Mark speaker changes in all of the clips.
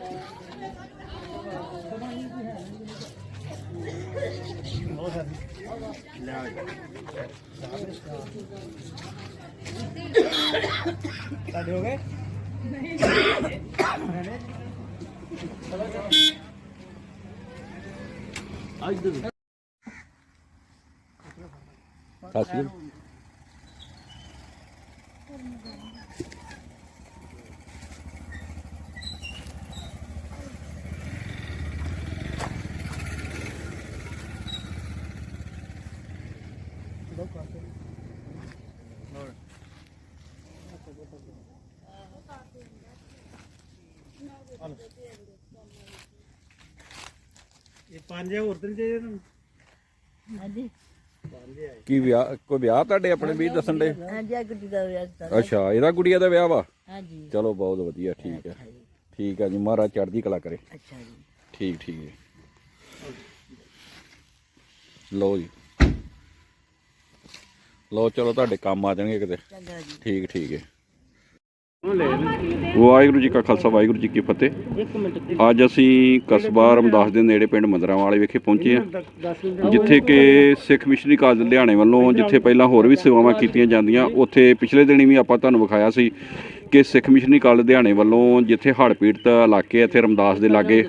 Speaker 1: हो गए
Speaker 2: ਕੀ ਵਿਆਹ ਕੋਈ ਵਿਆਹ ਤੁਹਾਡੇ ਆਪਣੇ ਵੀ ਦੱਸਣ ਦੇ?
Speaker 3: ਹਾਂਜੀ ਆ ਗੁੱਡੀ ਦਾ ਵਿਆਹ।
Speaker 2: ਅੱਛਾ, ਇਹਦਾ ਗੁੜੀਆ ਦਾ ਵਿਆਹ ਵਾ?
Speaker 3: ਹਾਂਜੀ।
Speaker 2: ਚਲੋ ਬਹੁਤ ਵਧੀਆ, ਠੀਕ ਹੈ ਠੀਕ ਹੈ ਜੀ, ਮਹਾਰਾਜ ਚੜ੍ਹਦੀ ਕਲਾ ਕਰੇ।
Speaker 3: ਅੱਛਾ ਜੀ,
Speaker 2: ਠੀਕ ਠੀਕ ਹੈ। ਲਓ ਜੀ, ਲਓ ਚਲੋ ਤੁਹਾਡੇ ਕੰਮ ਆ ਜਾਣਗੇ ਕਿਤੇ।
Speaker 3: ਚੰਗਾ ਜੀ।
Speaker 2: ਠੀਕ ਠੀਕ ਹੈ। ਵਾਹਿਗੁਰੂ ਜੀ ਕਾ ਖਾਲਸਾ ਵਾਹਿਗੁਰੂ ਜੀ ਕੀ ਫਤਿਹ। ਅੱਜ ਅਸੀਂ ਕਸਬਾ ਰਮਦਾਸ ਦੇ ਨੇੜੇ ਪਿੰਡ ਮੰਦਰਾਂਵਾਲੇ ਵਿਖੇ ਪਹੁੰਚੇ ਹਾਂ, ਜਿੱਥੇ ਕਿ ਸਿੱਖ ਮਿਸ਼ਨਰੀ ਕਾਲਜ ਲੁਧਿਆਣੇ ਵੱਲੋਂ ਜਿੱਥੇ ਪਹਿਲਾਂ ਹੋਰ ਵੀ ਸੇਵਾਵਾਂ ਕੀਤੀਆਂ ਜਾਂਦੀਆਂ, ਉੱਥੇ ਪਿਛਲੇ ਦਿਨੀ ਵੀ ਆਪਾਂ ਤੁਹਾਨੂੰ ਵਿਖਾਇਆ ਸੀ ਕਿ ਸਿੱਖ ਮਿਸ਼ਨਰੀ ਕਾਲਜ ਲੁਧਿਆਣੇ ਵੱਲੋਂ ਜਿੱਥੇ ਹੜ੍ਹ ਪੀੜਤ ਇਲਾਕੇ ਇੱਥੇ ਰਮਦਾਸ ਦੇ ਲਾਗੇ,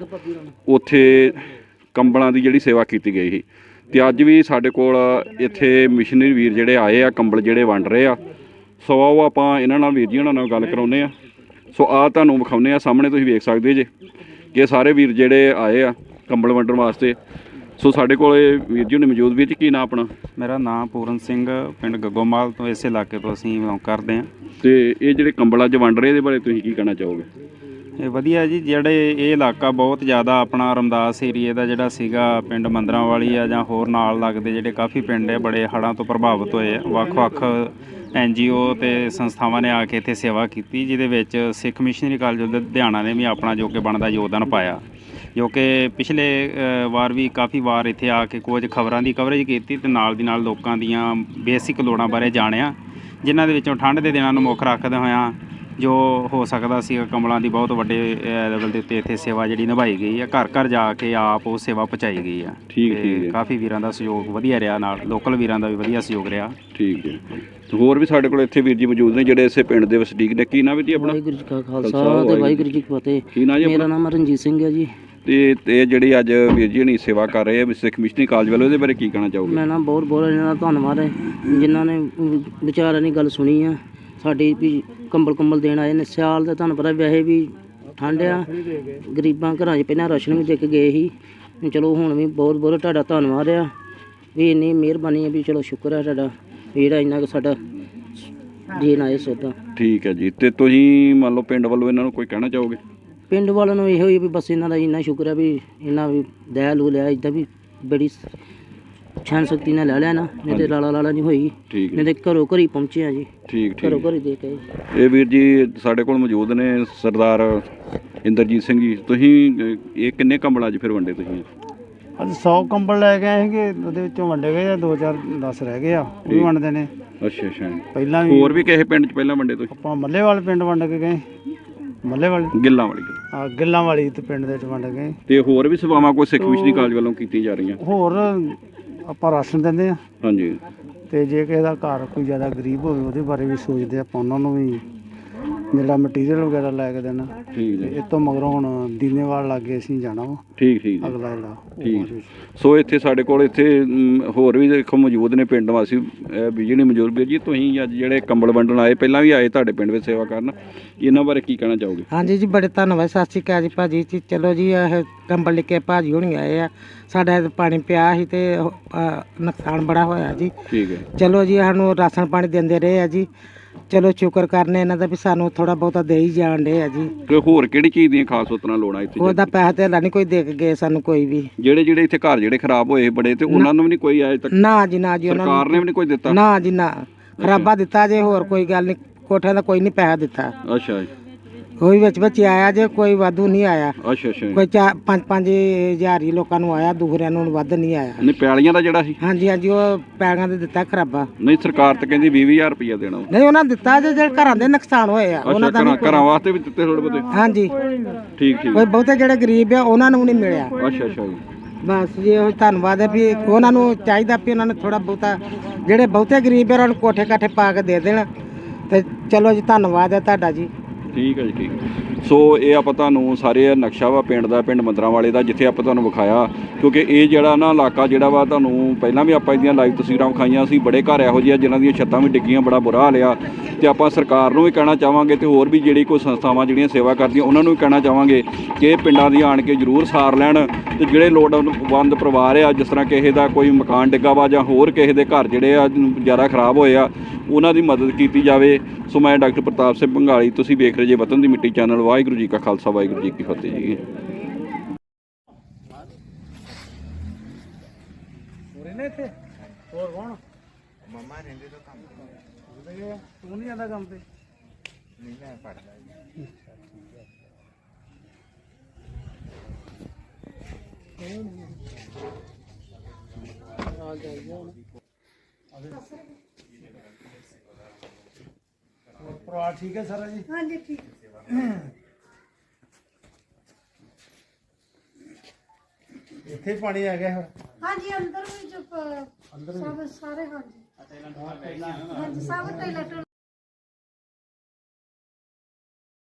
Speaker 2: ਉੱਥੇ ਕੰਬਲਾਂ ਦੀ ਜਿਹੜੀ ਸੇਵਾ ਕੀਤੀ ਗਈ ਸੀ। ਅਤੇ ਅੱਜ ਵੀ ਸਾਡੇ ਕੋਲ ਇੱਥੇ ਮਿਸ਼ਨਰੀ ਵੀਰ ਜਿਹੜੇ ਆਏ ਆ, ਕੰਬਲ ਜਿਹੜੇ ਵੰਡ ਰਹੇ ਆ। ਸੋ ਆਓ ਆਪਾਂ ਇਹਨਾਂ ਨਾਲ ਵੀਰ ਜੀ ਉਹਨਾਂ ਨਾਲ ਗੱਲ ਕਰਾਉਂਦੇ ਆ। ਸੋ ਆਹ ਤੁਹਾਨੂੰ ਵਿਖਾਉਂਦੇ ਆ, ਸਾਹਮਣੇ ਤੁਸੀਂ ਵੇਖ ਸਕਦੇ ਜੇ ਕਿ ਸਾਰੇ ਵੀਰ ਜਿਹੜੇ ਆਏ ਆ ਕੰਬਲ ਵੰਡਣ ਵਾਸਤੇ। ਸੋ ਸਾਡੇ ਕੋਲ ਵੀਰ ਜੀ ਨੇ ਮੌਜੂਦ। ਵੀਰ ਜੀ ਕੀ ਨਾਂ ਆਪਣਾ?
Speaker 4: ਮੇਰਾ ਨਾਮ ਪੂਰਨ ਸਿੰਘ, ਪਿੰਡ ਗੱਗੋਮਾਲ ਤੋਂ, ਇਸੇ ਇਲਾਕੇ ਤੋਂ ਅਸੀਂ ਬਿਲੋਂਗ ਕਰਦੇ ਹਾਂ।
Speaker 2: ਅਤੇ ਇਹ ਜਿਹੜੇ ਕੰਬਲ ਅੱਜ ਵੰਡ ਰਹੇ ਇਹਦੇ ਬਾਰੇ ਤੁਸੀਂ ਕੀ ਕਹਿਣਾ ਚਾਹੋਗੇ?
Speaker 4: ਇਹ ਵਧੀਆ ਜੀ, ਜਿਹੜੇ ਇਹ ਇਲਾਕਾ ਬਹੁਤ ਜ਼ਿਆਦਾ ਆਪਣਾ ਰਮਦਾਸ ਏਰੀਏ ਦਾ ਜਿਹੜਾ ਸੀਗਾ, ਪਿੰਡ ਮੰਦਰਾਂਵਾਲੀ ਆ ਜਾਂ ਹੋਰ ਨਾਲ ਲੱਗਦੇ ਜਿਹੜੇ ਕਾਫੀ ਪਿੰਡ ਹੈ, ਬੜੇ ਹੜ੍ਹਾਂ ਤੋਂ ਪ੍ਰਭਾਵਿਤ ਹੋਏ ਆ। ਵੱਖ-ਵੱਖ NGO ਅਤੇ ਸੰਸਥਾਵਾਂ ਨੇ ਆ ਕੇ ਇੱਥੇ ਸੇਵਾ ਕੀਤੀ, ਜਿਹਦੇ ਵਿੱਚ ਸਿੱਖ ਮਿਸ਼ਨਰੀ ਕਾਲਜ ਲੁਧਿਆਣਾ ਨੇ ਵੀ ਆਪਣਾ ਜੋ ਕਿ ਬਣਦਾ ਯੋਗਦਾਨ ਪਾਇਆ, ਜੋ ਕਿ ਪਿਛਲੇ ਵਾਰ ਵੀ ਕਾਫੀ ਵਾਰ ਇੱਥੇ ਆ ਕੇ ਕੁਝ ਖਬਰਾਂ ਦੀ ਕਵਰੇਜ ਕੀਤੀ ਅਤੇ ਨਾਲ ਦੀ ਨਾਲ ਲੋਕਾਂ ਦੀਆਂ ਬੇਸਿਕ ਲੋੜਾਂ ਬਾਰੇ ਜਾਣਿਆ, ਜਿਨ੍ਹਾਂ ਦੇ ਵਿੱਚੋਂ ਠੰਡ ਦੇ ਦਿਨਾਂ ਨੂੰ ਮੁੱਖ ਰੱਖਦੇ ਹੋਇਆਂ ਜੋ ਹੋ ਸਕਦਾ ਸੀ ਕੰਬਲਾਂ ਦੀ ਬਹੁਤ ਵੱਡੇ ਲੈਵਲ ਦੇ ਉੱਤੇ ਇੱਥੇ ਸੇਵਾ ਜਿਹੜੀ ਨਿਭਾਈ ਗਈ ਹੈ। ਘਰ ਘਰ ਜਾ ਕੇ ਆਪ ਉਹ ਸੇਵਾ ਪਹੁੰਚਾਈ ਗਈ ਆ।
Speaker 2: ਠੀਕ ਠੀਕ ਹੈ।
Speaker 4: ਕਾਫੀ ਵੀਰਾਂ ਦਾ ਸਹਿਯੋਗ ਵਧੀਆ ਰਿਹਾ, ਨਾਲ ਲੋਕਲ ਵੀਰਾਂ ਦਾ ਵੀ ਵਧੀਆ ਸਹਿਯੋਗ ਰਿਹਾ।
Speaker 2: ਠੀਕ ਹੈ। ਹੋਰ ਵੀ ਸਾਡੇ ਕੋਲ ਇੱਥੇ ਵੀਰ ਜੀ ਮੌਜੂਦ ਨੇ ਜਿਹੜੇ ਇਸੇ ਪਿੰਡ ਦੇ ਵਸਨੀਕ ਨੇ। ਕੀ ਨਾਮ ਹੈ ਜੀ ਆਪਣਾ?
Speaker 3: ਵਾਹਿਗੁਰੂ ਜੀ ਕਾ ਖਾਲਸਾ ਤੇ ਵਾਹਿਗੁਰੂ ਜੀ ਕੀ ਫਤਿਹ।
Speaker 2: ਕੀ ਨਾਮ ਜੀ?
Speaker 3: ਮੇਰਾ ਨਾਮ ਰਣਜੀਤ ਸਿੰਘ ਹੈ ਜੀ।
Speaker 2: ਤੇ ਜਿਹੜੀ ਅੱਜ ਵੀਰ ਜੀ ਨੇ ਸੇਵਾ ਕਰ ਰਹੇ ਆ ਸਿੱਖ ਮਿਸ਼ਨਰੀ ਕਾਲਜ ਵੱਲੋਂ, ਇਹਦੇ ਬਾਰੇ ਕੀ ਕਹਿਣਾ ਚਾਹੋਗੇ?
Speaker 3: ਮੈਂ ਨਾ ਬਹੁਤ ਬਹੁਤ ਇਹਨਾਂ ਦਾ ਧੰਨਵਾਦ ਹੈ, ਜਿਨ੍ਹਾਂ ਨੇ ਵਿਚਾਰਿਆਂ ਦੀ ਗੱਲ ਸੁਣੀ ਆ। ਸਾਡੀ ਵੀ ਕੰਬਲ ਦੇਣ ਆਏ ਨੇ। ਸਿਆਲ ਦਾ ਤੁਹਾਨੂੰ ਪਤਾ ਵੈਸੇ ਵੀ ਠੰਡ ਆ, ਗਰੀਬਾਂ ਘਰਾਂ 'ਚ ਪਹਿਲਾਂ ਰਾਸ਼ਨ ਵੀ ਦੇ ਕੇ ਗਏ ਸੀ। ਚਲੋ ਹੁਣ ਵੀ ਬਹੁਤ ਬਹੁਤ ਤੁਹਾਡਾ ਧੰਨਵਾਦ ਆ ਵੀ ਇੰਨੀ ਮਿਹਰਬਾਨੀ ਹੈ ਵੀ ਚਲੋ ਸ਼ੁਕਰ ਹੈ ਤੁਹਾਡਾ ਵੀ ਜਿਹੜਾ ਇੰਨਾ ਕੁ ਸਾਡਾ ਦੇਣ ਆਏ ਸੌਦਾ।
Speaker 2: ਠੀਕ ਹੈ ਜੀ। ਅਤੇ ਤੁਸੀਂ ਮੰਨ ਲਓ ਪਿੰਡ ਵੱਲੋਂ ਇਹਨਾਂ ਨੂੰ ਕੋਈ ਕਹਿਣਾ ਚਾਹੋਗੇ?
Speaker 3: ਪਿੰਡ ਵਾਲਿਆਂ ਨੂੰ ਇਹੋ ਹੀ ਵੀ ਬਸ ਇਹਨਾਂ ਦਾ ਇੰਨਾ ਸ਼ੁਕਰ ਹੈ ਵੀ ਇਹਨਾਂ ਵੀ ਦਇਆ ਲੂ ਲਿਆ, ਇੱਦਾਂ ਵੀ ਬੜੀ ਛਾਨ ਸ਼ਕਤੀ ਨਾਲ ਲੈ ਲਿਆ ਨਾ, ਨਹੀਂ ਤੇ ਲਾਲਾ ਨਹੀਂ ਹੋਈ।
Speaker 2: ਠੀਕ
Speaker 3: ਨਹੀਂ ਤੇ ਘਰੋਂ ਘਰੀ ਪਹੁੰਚੇ ਆ ਜੀ।
Speaker 2: ਠੀਕ ਠੀਕ।
Speaker 3: ਘਰੋਂ ਘਰੀ ਦੇ ਕੇ
Speaker 2: ਇਹ ਵੀਰ ਜੀ ਸਾਡੇ ਕੋਲ ਮੌਜੂਦ ਨੇ ਸਰਦਾਰ ਇੰਦਰਜੀਤ ਸਿੰਘ ਜੀ। ਤੁਸੀਂ ਇਹ ਕਿੰਨੇ ਕੰਬਲ ਅੱਜ ਫਿਰ ਵੰਡੇ ਤੁਸੀਂ?
Speaker 1: ਅੱਜ 100 ਕੰਬਲ ਲੈ ਕੇ ਆਏ ਸੀਗੇ, ਉਹਦੇ ਵਿੱਚੋਂ ਵੰਡੇ ਗਏ ਆ, 2-4 10 ਰਹਿ ਗਏ ਆ, ਉਹ ਵੀ ਵੰਡਦੇ ਨੇ।
Speaker 2: ਅੱਛਾ ਅੱਛਾ।
Speaker 1: ਪਹਿਲਾਂ ਵੀ
Speaker 2: ਹੋਰ ਵੀ ਕਿਸੇ ਪਿੰਡ 'ਚ ਪਹਿਲਾਂ ਵੰਡੇ ਤੁਸੀਂ?
Speaker 1: ਆਪਾਂ ਮੱਲੇਵਾਲ ਪਿੰਡ ਵੰਡ ਕੇ ਗਏ। ਮੱਲੇਵਾਲ
Speaker 2: ਗਿੱਲਾਂ ਵਾਲੀ?
Speaker 1: ਹਾਂ, ਗਿੱਲਾਂ ਵਾਲੀ ਤੇ ਪਿੰਡ ਦੇ ਵਿੱਚ ਵੰਡ ਗਏ।
Speaker 2: ਅਤੇ ਹੋਰ ਵੀ ਸੇਵਾਵਾਂ ਕੋਈ ਸਿੱਖ ਮਿਸ਼ਨਰੀ ਕਾਲਜ ਵੱਲੋਂ ਕੀਤੀਆਂ ਜਾ ਰਹੀਆਂ?
Speaker 1: ਹੋਰ ਆਪਾਂ ਰਾਸ਼ਨ ਦਿੰਦੇ ਆ,
Speaker 2: ਹਾਂਜੀ।
Speaker 1: ਤੇ ਜੇ ਕਿਸੇ ਦਾ ਘਰ ਕੋਈ ਜ਼ਿਆਦਾ ਗਰੀਬ ਹੋਵੇ ਉਹਦੇ ਬਾਰੇ ਵੀ ਸੋਚਦੇ ਆਪਾਂ, ਉਹਨਾਂ ਨੂੰ ਵੀ ਜਿਹੜਾ ਮਟੀਰੀਅਲ ਵਗੈਰਾ ਲੈ ਕੇ ਦੇਣਾ।
Speaker 2: ਠੀਕ
Speaker 1: ਤੇ
Speaker 2: ਜੀ।
Speaker 1: ਇਹ ਤੋਂ ਮਗਰੋਂ ਹੁਣ ਦੀਨੇਵਾਲ ਲਾਗੇ ਅਸੀਂ ਜਾਣਾ ਵਾ
Speaker 2: ਠੀਕ ਠੀਕ ਜੀ।
Speaker 1: ਅਗਲਾ ਜਿਹੜਾ।
Speaker 2: ਠੀਕ। ਸੋ ਇੱਥੇ ਸਾਡੇ ਕੋਲ ਇੱਥੇ ਹੋਰ ਵੀ ਦੇਖੋ ਮੌਜੂਦ ਨੇ ਪਿੰਡ ਵਾਸੀ ਬੀਜੀ ਨੇ ਮੌਜੂਦ। ਵੀਰ ਜੀ ਤੁਸੀਂ ਅੱਜ ਜਿਹੜੇ ਕੰਬਲ ਵੰਡਣ ਆਏ, ਪਹਿਲਾਂ ਵੀ ਆਏ ਤੁਹਾਡੇ ਪਿੰਡ ਵਿੱਚ ਸੇਵਾ ਕਰਨ, ਇਹਨਾਂ ਬਾਰੇ ਕੀ ਕਹਿਣਾ ਚਾਹੋਗੇ?
Speaker 5: ਹਾਂਜੀ ਜੀ, ਬੜੇ ਧੰਨਵਾਦ। ਸਤਿ ਸ਼੍ਰੀ ਅਕਾਲ ਜੀ ਭਾਜੀ ਜੀ। ਚਲੋ ਜੀ, ਇਹ ਕੰਬਲ ਲੈ ਕੇ ਭਾਜੀ ਹੋਣੀ ਆਏ ਆ। ਸਾਡਾ ਪਾਣੀ ਪਿਆ ਸੀ ਤੇ ਨੁਕਸਾਨ ਬੜਾ ਹੋਇਆ ਜੀ।
Speaker 2: ਠੀਕ ਹੈ।
Speaker 5: ਚਲੋ ਜੀ, ਸਾਨੂੰ ਰਾਸ਼ਨ ਪਾਣੀ ਦਿੰਦੇ ਰਹੇ ਆ ਜੀ। ਚਲੋ ਸ਼ੁਕਰ ਕਰਨੇ ਇਹਨਾਂ ਦਾ ਵੀ ਸਾਨੂੰ ਥੋੜਾ ਬਹੁਤਾ ਦੇ ਹੀ ਜਾਣ ਡੇ ਆ ਜੀ।
Speaker 2: ਤੇ ਹੋਰ ਕਿਹੜੀ ਚੀਜ਼ ਦੀਆਂ ਖਾਸ ਉਤਰਾਂ ਲੋੜਾਂ ਇੱਥੇ?
Speaker 5: ਉਹਦਾ ਪੈਸਾ ਧੇਲਾ ਨਹੀਂ ਕੋਈ ਦੇ ਕੇ ਗਏ ਸਾਨੂੰ ਕੋਈ ਵੀ।
Speaker 2: ਜਿਹੜੇ ਇੱਥੇ ਘਰ ਜਿਹੜੇ ਖਰਾਬ ਹੋਏ ਬੜੇ, ਤੇ ਉਹਨਾਂ ਨੂੰ ਵੀ ਨਹੀਂ ਕੋਈ ਆਏ ਤੱਕ?
Speaker 5: ਨਾ ਜੀ ਨਾ ਜੀ, ਉਹਨਾਂ
Speaker 2: ਸਰਕਾਰ ਨੇ ਵੀ ਨਹੀਂ ਕੋਈ ਦਿੱਤਾ?
Speaker 5: ਨਾ ਜੀ ਨਾ, ਖਰਾਬਾ ਦਿੱਤਾ ਜੇ, ਹੋਰ ਕੋਈ ਗੱਲ ਨਹੀਂ। ਕੋਠਿਆਂ ਦਾ ਕੋਈ ਨਹੀਂ ਪੈਸਾ ਦਿੱਤਾ।
Speaker 2: ਅੱਛਾ ਜੀ।
Speaker 5: ਉਹ ਵੀ ਵਿੱਚ ਆਇਆ ਜੇ, ਕੋਈ ਵਾਧੂ ਨਹੀਂ ਆਇਆ।
Speaker 2: ਅੱਛਾ ਅੱਛਾ
Speaker 5: ਕੋਈ 5-5 ਹਜ਼ਾਰ ਹੀ ਲੋਕਾਂ ਨੂੰ ਆਇਆ, ਦੂਸਰਿਆਂ ਨੂੰ ਵੱਧ ਨਹੀਂ ਆਇਆ।
Speaker 2: ਨਹੀਂ ਪੈਲੀਆਂ ਦਾ ਜਿਹੜਾ ਸੀ
Speaker 5: ਹਾਂਜੀ ਹਾਂਜੀ, ਉਹ ਪੈਲੀਆਂ ਦੇ ਦਿੱਤਾ ਖਰਾਬਾ।
Speaker 2: ਨਹੀਂ ਸਰਕਾਰ ਤਾਂ ਕਹਿੰਦੀ 20,000 ਰੁਪਇਆ ਦੇਣਾ ਵਾ।
Speaker 5: ਨਹੀਂ ਉਹਨਾਂ ਦਿੱਤਾ ਜੇ ਜਿਹੜੇ ਘਰਾਂ ਦੇ ਨੁਕਸਾਨ ਹੋਏ ਆ ਉਹਨਾਂ ਦਾ
Speaker 2: ਅੱਛਾ ਘਰਾਂ ਵਾਸਤੇ ਵੀ ਦਿੱਤੇ ਥੋੜੇ ਬਹੁਤੇ।
Speaker 5: ਹਾਂਜੀ,
Speaker 2: ਠੀਕ ਠੀਕ।
Speaker 5: ਕੋਈ ਬਹੁਤੇ ਜਿਹੜੇ ਗਰੀਬ ਆ ਉਹਨਾਂ ਨੂੰ ਨਹੀਂ ਮਿਲਿਆ।
Speaker 2: ਅੱਛਾ ਅੱਛਾ ਜੀ।
Speaker 5: ਬਸ ਜੀ ਉਹ ਧੰਨਵਾਦ ਹੈ ਵੀ ਉਹਨਾਂ ਨੂੰ ਚਾਹੀਦਾ ਵੀ ਉਹਨਾਂ ਨੇ ਥੋੜਾ ਬਹੁਤਾ, ਜਿਹੜੇ ਬਹੁਤੇ ਗਰੀਬ ਆ ਉਹਨਾਂ ਨੂੰ ਕੋਠੇ ਕਾਠੇ ਪਾ ਕੇ ਦੇ ਦੇਣ। ਤੇ ਚਲੋ ਜੀ, ਧੰਨਵਾਦ ਹੈ ਤੁਹਾਡਾ ਜੀ।
Speaker 2: ਠੀਕ ਹੈ ਜੀ ਠੀਕ ਹੈ। ਸੋ ਇਹ ਆਪਾਂ ਤੁਹਾਨੂੰ ਸਾਰੇ ਨਕਸ਼ਾ ਵਾ ਪਿੰਡ ਦਾ, ਪਿੰਡ ਮੰਦਰਾਂ ਵਾਲੇ ਦਾ, ਜਿੱਥੇ ਆਪਾਂ ਤੁਹਾਨੂੰ ਵਿਖਾਇਆ, ਕਿਉਂਕਿ ਇਹ ਜਿਹੜਾ ਨਾ ਇਲਾਕਾ ਜਿਹੜਾ ਵਾ ਤੁਹਾਨੂੰ ਪਹਿਲਾਂ ਵੀ ਆਪਾਂ ਇਹਦੀਆਂ ਲਾਈਵ ਤਸਵੀਰਾਂ ਵਿਖਾਈਆਂ ਸੀ। ਬੜੇ ਘਰ ਇਹੋ ਜਿਹੇ ਆ ਜਿਨ੍ਹਾਂ ਦੀਆਂ ਛੱਤਾਂ ਵੀ ਡਿੱਗੀਆਂ, ਬੜਾ ਬੁਰਾ ਹਾਲ ਆ। ਤੇ ਆਪਾਂ ਸਰਕਾਰ ਨੂੰ ਵੀ ਕਹਿਣਾ ਚਾਹਾਂਗੇ ਤੇ ਹੋਰ ਵੀ ਜਿਹੜੀ ਕੋਈ ਸੰਸਥਾਵਾਂ ਜਿਹੜੀਆਂ ਸੇਵਾ ਕਰਦੀਆਂ ਉਹਨਾਂ ਨੂੰ ਵੀ ਕਹਿਣਾ ਚਾਹਾਂਗੇ ਕਿ ਇਹ ਪਿੰਡਾਂ ਦੀ ਆਣ ਕੇ ਜ਼ਰੂਰ ਸਾਰ ਲੈਣ। ਤੇ ਜਿਹੜੇ ਲੋੜਵੰਦ ਪਰਿਵਾਰ ਆ, ਜਿਸ ਤਰ੍ਹਾਂ ਕਿਸੇ ਦਾ ਕੋਈ ਮਕਾਨ ਡਿੱਗਾ ਵਾ ਜਾਂ ਹੋਰ ਕਿਸੇ ਦੇ ਘਰ ਜਿਹੜੇ ਆ ਜ਼ਿਆਦਾ ਖਰਾਬ ਹੋਏ ਆ, ਉਹਨਾਂ ਦੀ ਮਦਦ ਕੀਤੀ ਜਾਵੇ। ਸੋ ਮੈਂ ਡਾਕਟਰ ਪ੍ਰਤਾਪ ਸਿੰਘ ਭੰਗਾਲੀ, ਤੁਸੀਂ ਵੇਖ ਰਹੇ ਜੇ ਵਤਨ ਦੀ ਮਿੱਟੀ ਚੈਨਲ। ਵਾਹਿਗੁਰੂ ਜੀ ਕਾ ਖਾਲਸਾ, ਵਾਹਿਗੁਰੂ ਜੀ ਕੀ ਫਤਿਹ ਜੀ।
Speaker 1: ਤੂੰ ਨਹੀਂ ਆਦਾ ਕੰਮ ਤੇ? ਪਰਿਵਾਰ ਠੀਕ ਹੈ ਸਾਰਾ ਜੀ?
Speaker 6: ਹਾਂਜੀ ਠੀਕ।
Speaker 1: ਇੱਥੇ ਪਾਣੀ ਆ ਗਿਆ?
Speaker 6: ਹਾਂਜੀ ਅੰਦਰ ਵੀ ਚੁੱਪ ਸਭ ਸਾਰੇ। ਹਾਂਜੀ ਹਾਂਜੀ ਸਭ ਟਾਇਲਟ